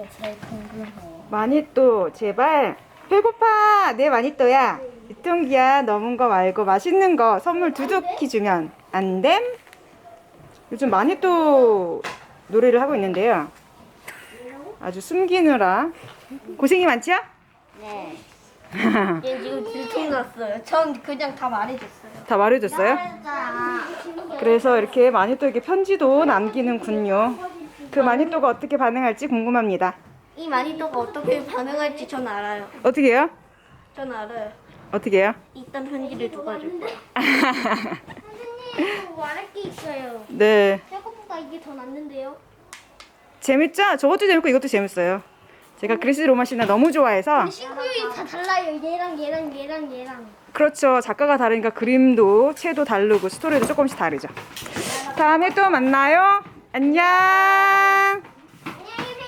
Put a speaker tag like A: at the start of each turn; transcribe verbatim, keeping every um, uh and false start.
A: 게 제일 궁금해요.
B: 마니또 제발. 배고파. 내 마니또야. 유통기한 넘은 거 말고 맛있는 거 선물 두둑히 주면 안 됨? 요즘 마니또 노래를 하고 있는데요. 아주 숨기느라 고생이 많죠?
A: 네. 얘 지금 들통났어요. 전 그냥 다 말해줬어요.
B: 다 말해줬어요? 그래서 이렇게 마니또에게 편지도 남기는군요. 그 마니또가 어떻게 반응할지 궁금합니다.
A: 이 마니또가 어떻게 반응할지 전 알아요.
B: 어떻게 해요?
A: 전 알아요.
B: 어떻게 해요?
A: 일단 편지를 누가 줄 거야.
C: 선생님, 말할 게 있어요.
B: 네.
C: 생각보다 이게 더 낫는데요?
B: 재밌죠? 저것도 재밌고 이것도 재밌어요. 제가 그리스 로마 신화 너무 좋아해서.
C: 싱크율이 다 달라요. 얘랑 얘랑 얘랑 얘랑.
B: 그렇죠. 작가가 다르니까 그림도 채도 다르고 스토리도 조금씩 다르죠. 다음에 또 만나요. 안녕.